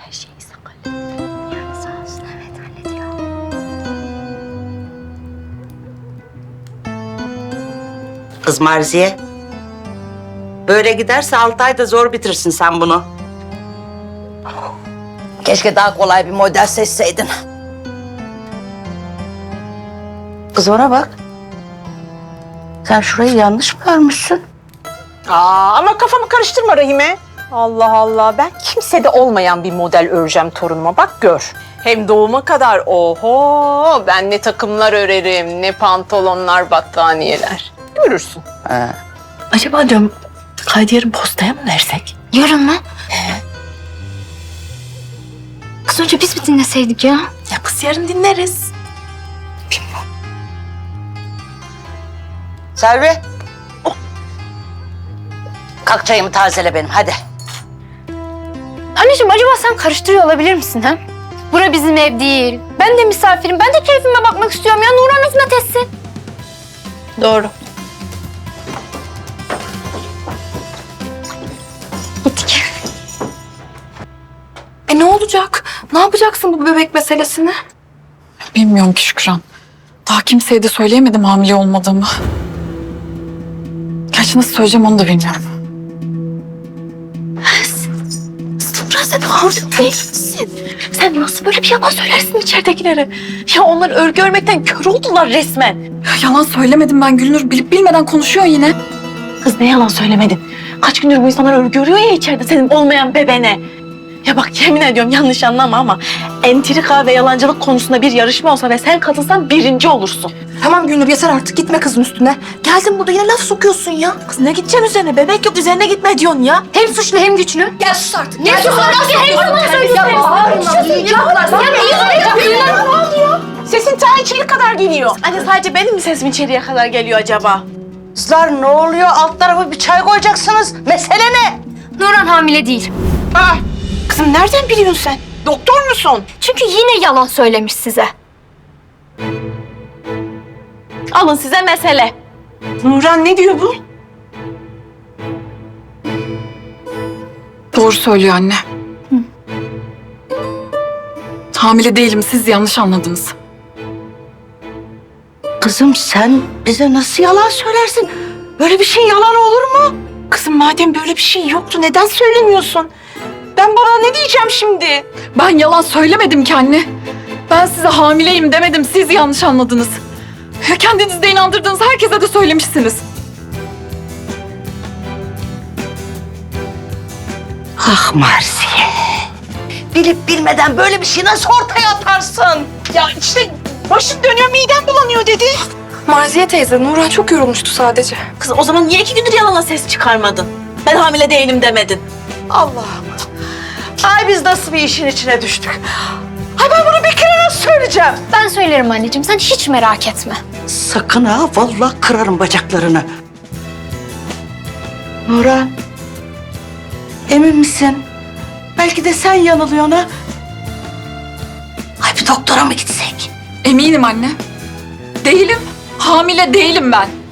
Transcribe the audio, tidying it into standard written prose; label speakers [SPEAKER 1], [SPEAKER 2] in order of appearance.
[SPEAKER 1] Her şeyi sakın. Yani sağ olsun, evet hallediyor.
[SPEAKER 2] Kız Marziye. Böyle giderse 6 ayda zor bitirsin sen bunu. Keşke daha kolay bir model seçseydin. Kız ona bak. Sen şurayı yanlış mı örmüşsün?
[SPEAKER 3] Ama kafamı karıştırma Rahime. Allah Allah, ben kimsede olmayan bir model öreceğim torunuma, bak gör. Hem doğuma kadar oho, ben ne takımlar örerim, ne pantolonlar, battaniyeler. Görürsün.
[SPEAKER 4] Acaba diyorum kaydı yarın postaya mı versek?
[SPEAKER 1] Yarın mı? Kız önce biz mi dinleseydik ya?
[SPEAKER 4] Ya kız yarın dinleriz.
[SPEAKER 2] Selvi. Kalk çayımı tazele benim hadi.
[SPEAKER 1] Anneciğim acaba sen karıştırıyor olabilir misin ha? Bura bizim ev değil. Ben de misafirim. Ben de keyfime bakmak istiyorum ya. Nurhan hizmet etsin.
[SPEAKER 4] Doğru.
[SPEAKER 1] Gittik.
[SPEAKER 4] Ne olacak? Ne yapacaksın bu bebek meselesini?
[SPEAKER 5] Bilmiyorum ki Şükran. Daha kimseye de söyleyemedim hamile olmadığımı. Gerçi nasıl söyleyeceğim onu da bilmiyorum.
[SPEAKER 4] Nurhan sen hamile değil misin? Sen nasıl böyle bir yalan söylersin içeridekilere? Ya onlar örgü örmekten kör oldular resmen.
[SPEAKER 5] Ya yalan söylemedim ben Gülnur. Bilip bilmeden konuşuyor yine.
[SPEAKER 4] Kız ne yalan söylemedin? Kaç gündür bu insanlar örgü örüyor ya içeride senin olmayan bebene. Ya bak yemin ediyorum yanlış anlama ama entrika ve yalancılık konusunda bir yarışma olsa ve sen katılsan birinci olursun.
[SPEAKER 6] Tamam Gülnur yeter artık gitme kızın üstüne. Geldin burada yine laf sokuyorsun ya.
[SPEAKER 4] Kız ne gideceksin üzerine? Bebek yok üzerine gitme diyorsun ya.
[SPEAKER 1] Hem suçlu hem güçlü.
[SPEAKER 6] Gel sus artık.
[SPEAKER 1] Ne sus artık? Hem yalan
[SPEAKER 3] Sesin ta içeri kadar geliyor.
[SPEAKER 4] Anne sadece benim mi sesim içeriye kadar geliyor acaba?
[SPEAKER 2] Kızlar ne oluyor? Alt tarafı bir çay koyacaksınız. Mesele ne?
[SPEAKER 1] Nurhan hamile değil.
[SPEAKER 3] Kızım nereden biliyorsun sen? Doktor musun?
[SPEAKER 1] Çünkü yine yalan söylemiş size.
[SPEAKER 4] Alın size mesele.
[SPEAKER 3] Nurhan ne diyor bu?
[SPEAKER 5] Doğru söylüyor anne. Hamile değilim. Siz yanlış anladınız.
[SPEAKER 2] Kızım sen bize nasıl yalan söylersin? Böyle bir şey yalan olur mu?
[SPEAKER 3] Kızım madem böyle bir şey yoktu neden söylemiyorsun? Ben bana ne diyeceğim şimdi?
[SPEAKER 5] Ben yalan söylemedim ki anne. Ben size hamileyim demedim. Siz yanlış anladınız. Ya kendinizi de inandırdığınız herkese de söylemişsiniz.
[SPEAKER 2] Ah Marziye. Bilip bilmeden böyle bir şey nasıl ortaya atarsın?
[SPEAKER 3] Ya işte başım dönüyor, midem bulanıyor dedi.
[SPEAKER 6] Marziye teyze Nurhan çok yorulmuştu sadece.
[SPEAKER 4] Kız o zaman niye 2 gündür yalanla ses çıkarmadın? Ben hamile değilim demedin.
[SPEAKER 2] Allah'ım. Ay biz nasıl bir işin içine düştük? Ay ben bunu bir kere nasıl söyleyeceğim?
[SPEAKER 1] Ben söylerim anneciğim. Sen hiç merak etme.
[SPEAKER 2] Sakın ha, vallahi kırarım bacaklarını. Nurhan, emin misin? Belki de sen yanılıyorsun ha? Ay bir doktora mı gitsek?
[SPEAKER 5] Eminim anne. Değilim. Hamile değilim ben.